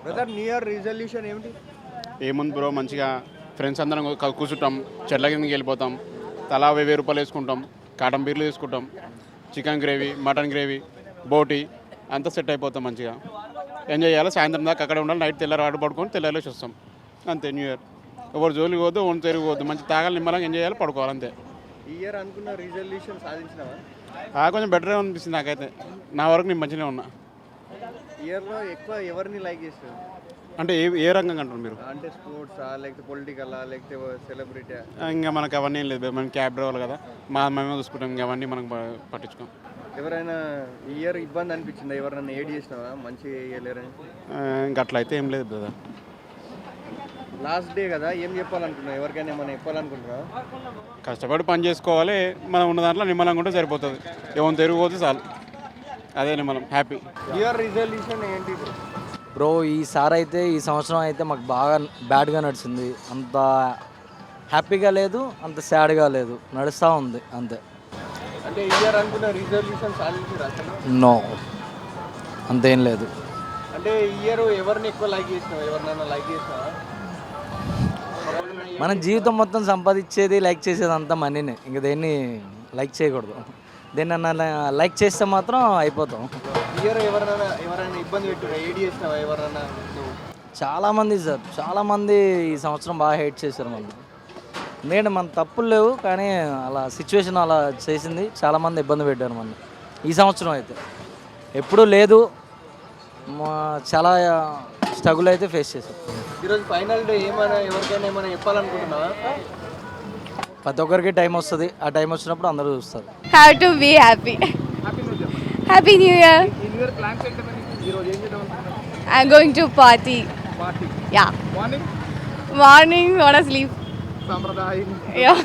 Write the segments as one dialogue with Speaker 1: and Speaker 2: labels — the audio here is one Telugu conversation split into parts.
Speaker 1: బ్రదర్ న్యూ ఇయర్ రిజల్యూషన్ ఏమిటి?
Speaker 2: ఏముంది బ్రో, మంచిగా ఫ్రెండ్స్ అందరం కూర్చుంటాం, చెట్ల కిందకి వెళ్ళిపోతాం, తలా 1000 రూపాయలు వేసుకుంటాం, కాటన్ బీర్లు తీసుకుంటాం, చికెన్ గ్రేవీ, మటన్ గ్రేవీ, బోటి అంతా సెట్ అయిపోతాం. మంచిగా ఎంజాయ్ చేయాలి. సాయంత్రం దాకా అక్కడ ఉండాలి. నైట్ తెల్లారి ఆట పడుకొని తెల్లారేసి వస్తాం. అంతే న్యూ ఇయర్. ఎవరు జోలికి పోద్దు, ఓన్ తిరిగిపోద్దు, మంచి తాగాలి, నిమ్మలంగా ఎంజాయ్ చేయాలి, పడుకోవాలి. అంతే.
Speaker 1: ఈ ఇయర్ అనుకున్న రిజల్యూషన్ సాధించినావా?
Speaker 2: కొంచెం బెటరే అనిపిస్తుంది నాకైతే. నా వరకు నేను మంచిగానే ఉన్నా.
Speaker 1: ఇయర్లో ఎక్కువ ఎవరిని లైక్ చేస్తారు?
Speaker 2: అంటే ఏ రంగం అంటారు మీరు?
Speaker 1: అంటే స్పోర్ట్సా, లేకపోతే పొలిటికలా, లేకపోతే సెలబ్రిటీ?
Speaker 2: ఇంకా మనకు అవన్నీ ఏం లేదు. మనం క్యాబ్ డ్రైవర్లు కదా, మేమే చూసుకుంటాం. ఇంకా అవన్నీ మనం పట్టించుకోం.
Speaker 1: ఎవరైనా ఈ ఇయర్ ఇబ్బంది అనిపించిందా? ఎవరైనా ఏడ్ చేసినావా మంచి చేయలేరని?
Speaker 2: ఇంకా అట్లా అయితే ఏం లేదు బ్రదర్.
Speaker 1: లాస్ట్ డే కదా, ఏం చెప్పాలనుకున్నావు? ఎవరికైనా ఏమైనా చెప్పాలనుకుంటున్నావా?
Speaker 2: కష్టపడి పని చేసుకోవాలి. మనం ఉన్న దాంట్లో నిమ్మలంగా ఉంటే సరిపోతుంది. ఏమైనా తిరిగిపోతే చాలు. అదే నిమ్మలం. హ్యాపీ.
Speaker 1: ఇయర్ రిజల్యూషన్ ఏంటి
Speaker 3: బ్రో? ఈ సంవత్సరం అయితే మాకు బాగా బ్యాడ్గా నడిచింది. అంత హ్యాపీగా లేదు, అంత సాడ్గా లేదు, నడుస్తూ ఉంది అంతే.
Speaker 1: అంటే ఇయర్ అనుకున్న రిజల్యూషన్ సాధించారు అసలు?
Speaker 3: నో, అంతేం లేదు.
Speaker 1: అంటే ఇయర్ ఎవరిని ఎక్కువ లైక్ చేసినావు? ఎవరినైనా లైక్ చేసినావా?
Speaker 3: మన జీవితం మొత్తం సంపాదించేది, లైక్ చేసేది అంతా మనీనే. ఇంక దేన్ని లైక్ చేయకూడదు. దేన్నన్నా లైక్ చేస్తే మాత్రం అయిపోతాం.
Speaker 1: ఇయర్ ఎవరైనా ఇబ్బంది పెట్టురా? ఏడ్ చేసినావా ఎవరైనా?
Speaker 3: చాలామంది సార్, చాలామంది ఈ సంవత్సరం బాగా హేట్ చేశారు మనం. ఎందుకంటే మన తప్పులు లేవు, కానీ అలా సిచ్యువేషన్ అలా చేసింది. చాలామంది ఇబ్బంది పెట్టారు మన ఈ సంవత్సరం అయితే. ఎప్పుడూ లేదు, చాలా స్ట్రగుల్ అయితే ఫేస్ చేశాం.
Speaker 1: ఈరోజు ఫైనల్ డే, ఏమైనా ఎవరికైనా ఏమైనా చెప్పాలనుకుంటున్నావా?
Speaker 3: ప్రతి ఒక్కరికి టైం వస్తుంది. ఆ టైం వచ్చినప్పుడు అందరూ చూస్తారు.
Speaker 4: How to be happy. Happy New Year.
Speaker 1: New year plans ఏంటంటే ఈరోజు ఏం చేద్దాం అనుకుంటున్నావు?
Speaker 4: I'm going to party.
Speaker 1: Party
Speaker 4: Yeah.
Speaker 1: Morning
Speaker 4: Morning, wanna sleep.
Speaker 1: సాంప్రదాయం.
Speaker 4: Yeah.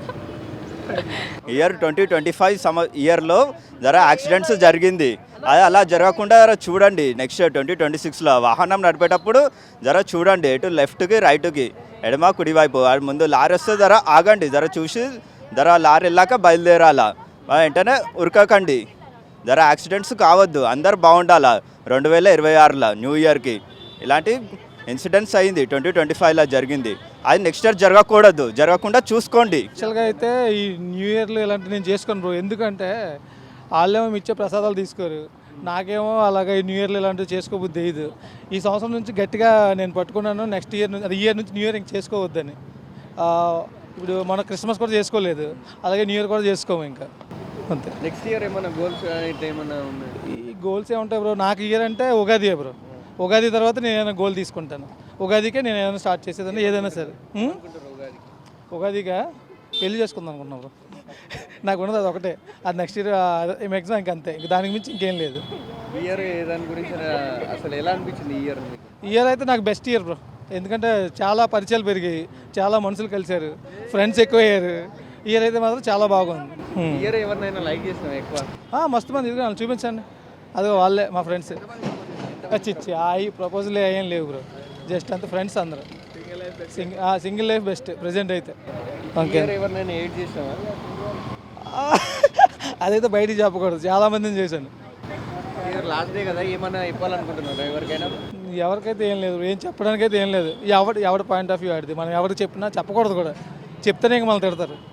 Speaker 5: ఇయర్ 2025 ఇయర్లో జర యాక్సిడెంట్స్ జరిగింది. అది అలా జరగకుండా చూడండి. నెక్స్ట్ 2026లో వాహనం నడిపేటప్పుడు జర చూడండి, ఎటు లెఫ్ట్కి రైట్కి, ఎడమ కుడివైపు. ముందు లారీ వస్తే జర ఆగండి, జర చూసి జర లారీ వెళ్ళాక బయలుదేరాలా. వెంటనే ఉరకకండి. జర యాక్సిడెంట్స్ కావద్దు. అందరు బాగుండాలా. 2026లో న్యూ ఇయర్కి ఇలాంటి ఇన్సిడెంట్స్ అయింది. 2025లో జరిగింది. అది నెక్స్ట్ ఇయర్ జరగకూడదు. జరగకుండా చూసుకోండి.
Speaker 6: యాక్చువల్గా అయితే ఈ న్యూ ఇయర్లో ఇలాంటివి నేను చేసుకోను బ్రో. ఎందుకంటే వాళ్ళేమో ఇచ్చే ప్రసాదాలు తీసుకోరు, నాకేమో అలాగే ఈ న్యూ ఇయర్లో ఇలాంటివి చేసుకోబుద్ది తెలియదు. ఈ సంవత్సరం నుంచి గట్టిగా నేను పట్టుకున్నాను, నెక్స్ట్ ఇయర్ నుంచి, ఇయర్ నుంచి న్యూ ఇయర్ ఇంక చేసుకోవద్దని. ఇప్పుడు మన క్రిస్మస్ కూడా చేసుకోలేదు, అలాగే న్యూ ఇయర్ కూడా చేసుకోము ఇంకా, అంతే.
Speaker 1: నెక్స్ట్ ఇయర్ ఏమైనా గోల్స్ ఏమైనా ఉన్నాయి?
Speaker 6: ఈ గోల్స్ ఏముంటాయి బ్రో? నాకు ఇయర్ అంటే ఉగాది బ్రో. ఉగాది తర్వాత నేను ఏదైనా గోల్ తీసుకుంటాను. ఉగాదికే నేను ఏదైనా స్టార్ట్ చేసేదాన్ని, ఏదైనా సరే. ఉగాదిగా పెళ్లి చేసుకుందాం అనుకున్నాను బ్రో. నాకు ఉన్నది అది ఒకటే. అది నెక్స్ట్ ఇయర్ మ్యాక్సిమం ఇంక అంతే. ఇంక దానికి మించి ఇంకేం లేదు.
Speaker 1: ఇయర్ దాని గురించి అసలు ఎలా అనిపించింది ఈ ఇయర్?
Speaker 6: ఈ ఇయర్ అయితే నాకు బెస్ట్ ఇయర్ బ్రో. ఎందుకంటే చాలా పరిచయాలు పెరిగాయి, చాలా మనుషులు కలిశారు, ఫ్రెండ్స్ ఎక్కువ అయ్యారు. ఈ ఇయర్ అయితే మాత్రం చాలా బాగుంది.
Speaker 1: ఇయర్ ఎవరినైనా లైక్ చేసినావు ఎక్కువ?
Speaker 6: మస్తు మంది ఇదిగో చూపించండి. అదిగో వాళ్ళే మా ఫ్రెండ్స్. చిచ్చి ప్రపోజల్ ఏం లేవు బ్రో, జస్ట్ అంత ఫ్రెండ్స్ అందరూ. సింగిల్ లైఫ్ బెస్ట్ ప్రెజెంట్ అయితే. ఓకే,
Speaker 1: ఎవరినైనా ఏడ్ చేసినావా?
Speaker 6: అదైతే బయటికి చెప్పకూడదు, చాలా మందిని చేశాను.
Speaker 1: లాస్ట్ డే కదా, ఏమైనా ఇవ్వాలనుకుంటున్నారా ఎవరికైనా?
Speaker 6: ఎవరికైతే ఏం లేదు, ఏం చెప్పడానికైతే ఏం లేదు. ఎవరి పాయింట్ ఆఫ్ వ్యూ ఆడిది. మనం ఎవరికి చెప్పినా చెప్పకూడదు కూడా. చెప్తేనే ఇంక మళ్ళీ తిడతారు.